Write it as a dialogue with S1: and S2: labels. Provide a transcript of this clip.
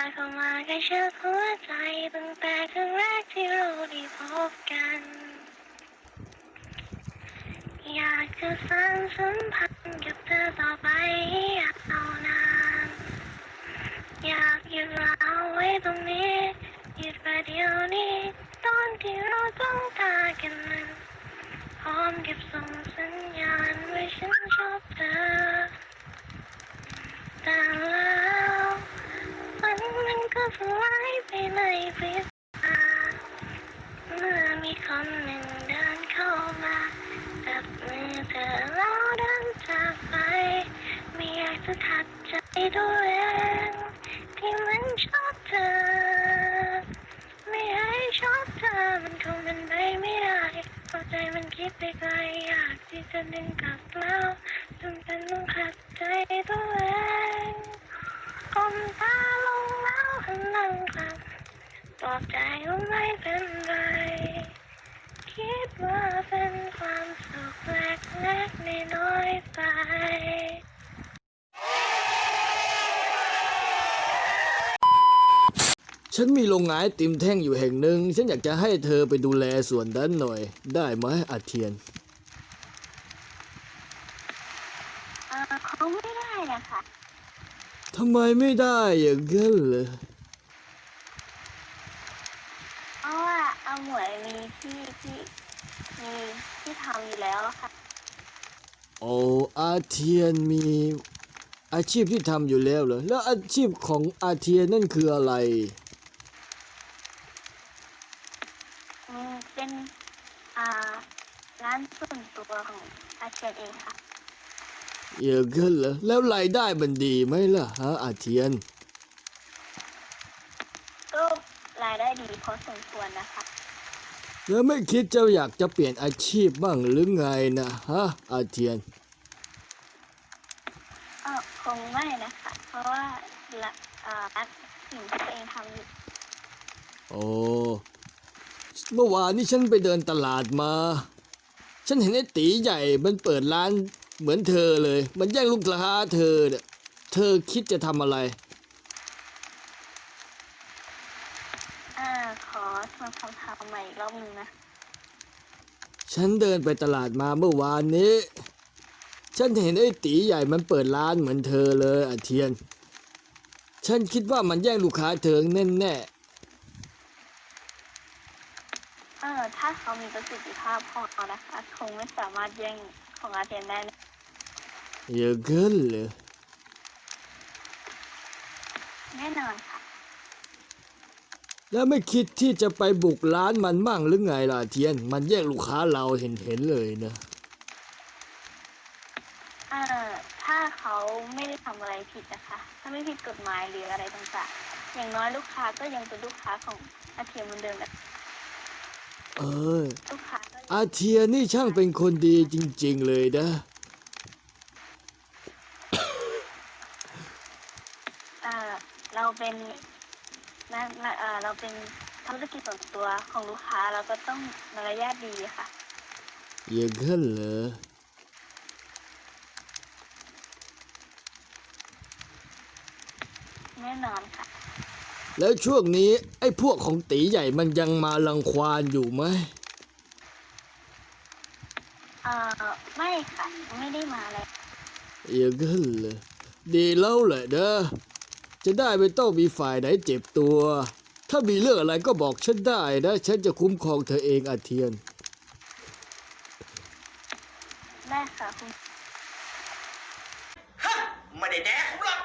S1: ดเข้ามาใกล้ชิดหัวใจตั้งแต่ครั้งแรกที่เราได้พบกัน อยากจะสานสัมพันธ์กับเธอต่อไปอยากเอานานอยากหยุดเราไว้ตรงนี้หยุดประเดี๋ยวนี้ตอนที่เราต้องตากันนั้นพร้อมกับส่งสัญญาณว่าฉันชอบเธอแต่แล้วฝันมันก็สลายไปในพริบตาเมื่อมีคนหนึ่งเดินเข้ามาจับมือเธอแล้วเดินจากไปไม่อยากจะทัดใจตัวเองที่มันชอบเธอไม่ให้ชอบเธอมันคงเป็นไปไม่ได้เพราะใจมันคิดไปไกลอยากที่จะดึงกลับแล้วจนเป็นต้องขัดใจตัวเองก้มตาลงแล้วหันหลังกลับปลอบใจว่าไม่เป็นไรคิดว่าเป็นความสุขเล็กๆน้อยๆไป
S2: ฉันมีโรงงานไอติมแท่งอยู่แห่งหนึ่งฉันอยากจะให้เธอไปดูแลส่วนนั้นหน่อยได้ไหมอาเทียน
S1: คงไม่ได้นะคะ
S2: ทำไมไม่ได้อย่างนั้นเลย
S1: เพราะว่าอาหมวยมีมีที่ทำอยู่แล้วค่ะ
S2: โอ้อาเทียนมีอาชีพที่ทำอยู่แล้วเหรอแล้วอาชีพของอาเทียนนั่นคืออะไร
S1: เป็นอ่าร้านส่วนตัวของอาเชียนเองค่ะ
S2: อย่างนั้นเหรอแล้วรายได้มันดีไหมล่ะฮะอาเทียน
S1: ก็รายได้ดีพอสมควรนะคะ
S2: แล้วไม่คิดจะอยากจะเปลี่ยนอาชีพบ้างหรือไงนะฮะอาเทียน
S1: คงไม่นะคะ เพราะว่าละรักสิ่งที่ตัวเองทำอยู่
S2: โอ้เมื่อวานนี้ฉันไปเดินตลาดมาฉันเห็นไอ้ตีใหญ่มันเปิดร้านเหมือนเธอเลยมันแย่งลูกค้าเธอเนี่ยเธอคิดจะทำอะไร
S1: ขอทวนคำถามใหม่อีกรอบหนึ่งนะ
S2: ฉันเดินไปตลาดมาเมื่อวานนี้ ฉันเห็นไอ้ตีใหญ่มันเปิดร้านเหมือนเธอเลยอาเทียน ฉันคิดว่ามันแย่งลูกค้าเธอแน่
S1: ถ้าเขามีประสิทธิภาพพอนะคะคงไม่สามารถแย่งของอาเทียนได้นะ
S2: ๆอย่างนั้นเหรอ
S1: แน่นอนค่ะ
S2: แล้วไม่คิดที่จะไปบุกร้านมันมั่งหรือไงล่ะอาเทียน มันแย่งลูกค้าเราเห็นเลยนะ
S1: ถ้าเขาไม่ได้ทำอะไรผิดนะคะ ถ้าไม่ผิดกฎหมายหรืออะไรต่างๆอย่างน้อยลูกค้าก็ยังเป็นลูกค้าของอาเทียนเหมือนเดิมนะ
S2: เออ
S1: ลูกค้าก็
S2: อาเทียนนี่ช่างเป็นคนดีจริงๆเลยนะ
S1: เราเป็นเราเป็นธุรกิจส่วนตัวของลูกค้าเราก็ต้องมารยาทดีค่ะ
S2: อย่างนั้นเหรอ
S1: แน่นอนค่ะ
S2: แล้วช่วงนี้ไอ้พวกของตีใหญ่มันยังมารังควานอยู่ไหม
S1: ไม่ค่ะไม่ได้มาเลย
S2: อย่างนั้นเหรอดีแล้วแหละนะจะได้ไม่ต้องมีฝ่ายไหนเจ็บตัว ถ้ามีเรื่องอะไรก็บอกฉันได้นะ ฉันจะคุ้มครองเธอเองอาเทียน
S1: ได้ค่ะคุณ
S3: ฮะไม่ได้แดกผมหรอก